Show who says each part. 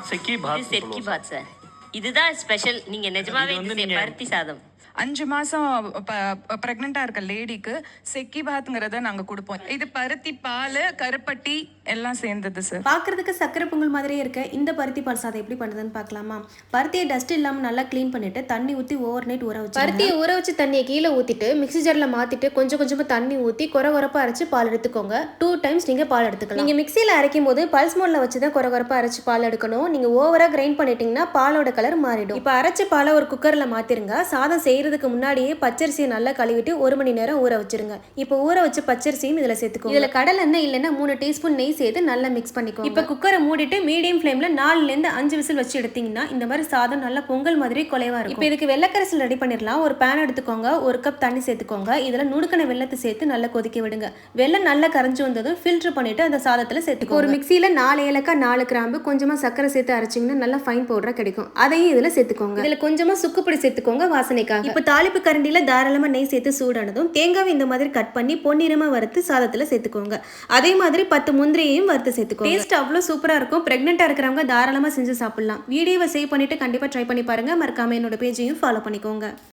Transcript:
Speaker 1: செக்கி
Speaker 2: இது
Speaker 1: பாத்
Speaker 2: செட்கி பாத் சார். இதுதான் ஸ்பெஷல். நீங்க நிஜமாவே
Speaker 1: இது வந்து
Speaker 2: இது
Speaker 1: நீங்க-
Speaker 2: பருத்தி சாதம்.
Speaker 3: 5 மாசம் பிரெக்னெண்டா இருக்க லேடிக்கு செக்கி பாத்ங்கிறத நாங்க கொடுப்போம். இது பருத்தி பால், கருப்பட்டி எல்லாம் சேர்ந்தது சார்.
Speaker 4: பார்க்கறதுக்கு சக்கரை பொங்கல் மாதிரியே இருக்க இந்த பருத்தி பால் சாதம் எப்படி பண்ணுறதுன்னு பார்க்கலாமா? பருத்தியை டஸ்ட் இல்லாமல் நல்லா க்ளீன் பண்ணிட்டு தண்ணி ஊற்றி ஓவர் நைட் ஊற வச்சு
Speaker 5: பருத்தியை ஊற வச்சு தண்ணியை கீழே ஊற்றிட்டு மிக்ஸி ஜாரில் மாற்றிட்டு கொஞ்சம் கொஞ்சமாக தண்ணி ஊற்றி கொரகொரப்பாக அரைச்சி பால் எடுத்துக்கோங்க. 2 டைம்ஸ் நீங்கள் பால் எடுத்துக்கலாம். நீங்கள் மிக்சியில் அரைக்கும் போது பல்ஸ் மோடில் வச்சு தான் கொரகொரப்பாக அரைச்சி பால் எடுக்கணும். நீங்கள் ஓவராக கிரைண்ட் பண்ணிட்டீங்கன்னா பாலோட கலர் மாறிடும். இப்போ அரைச்ச பாலை ஒரு குக்கரில் மாற்றிருங்க. சாதம் செய்கிறதுக்கு முன்னாடியே பச்சரிசியை நல்லா கழுவிட்டு 1 மணி நேரம் ஊற வச்சிருங்க. இப்போ ஊற வச்ச பச்சரிசியும் இதில் சேர்த்துக்கோங்க. இதில் கடலை எண்ணெய் இல்லைன்னா 3 டீஸ்பூன் நெய் சேர்த்து நல்லா மிக்ஸ் பண்ணிக்கோங்க. இப்போ குக்கரை மூடிட்டு மீடியம் ஃப்ளேமில் 4லேருந்து 5 விசில் வச்சு எடுத்தீங்கன்னா இந்த மாதிரி சாதம் நல்லா பொங்கல் மாதிரி குலைவா இருக்கும். இப்போ இதுக்கு வெள்ளைக்கரசல் ரெடி பண்ணிடலாம். ஒரு பேன் எடுத்துக்கோங்க, 1 கப் தண்ணி சேர்த்துக்கோங்க. இதில் நுணுக்கின வெள்ளத்தை சேர்த்து நல்லா கொதிக்க விடுங்க. வெள்ளம் நல்லா கரைஞ்சி வந்ததும் ஃபில்டர் பண்ணிட்டு அந்த சாதத்தில் சேர்த்துக்கோங்க. ஒரு மிக்சியில் 4 ஏலக்காய், 4 கிராம்பு, கொஞ்சமாக சக்கரை சேர்த்து அரைச்சிங்கன்னா நல்லா ஃபைன் பவுடராக கிடைக்கும். அதையும் இதில் சேர்த்துக்கோங்க. இதில் கொஞ்சமாக சுக்குப்பொடி சேர்த்துக்கோங்க வாசனைக்காக. இப்போ தாளிப்பு கரண்டியில் தாராளமாக நெய் சேர்த்து சூடானதும் தேங்காவை இந்த மாதிரி கட் பண்ணி பொன்னிறமாக வறுத்து சாதத்தில் சேர்த்துக்கோங்க. அதே மாதிரி 10 முந்திரியையும் வறுத்து சேர்த்துக்கோங்க. டேஸ்ட் அவ்வளோ சூப்பராக இருக்கும். ப்ரெக்னெண்ட்டாக இருக்கிறவங்க தாராளமாக செஞ்சு சாப்பிடலாம். வீடியோவை சேவ் பண்ணிட்டு கண்டிப்பாக ட்ரை பண்ணி பாருங்க. மறக்காம என்னோட பேஜையும் ஃபாலோ பண்ணிக்கோங்க.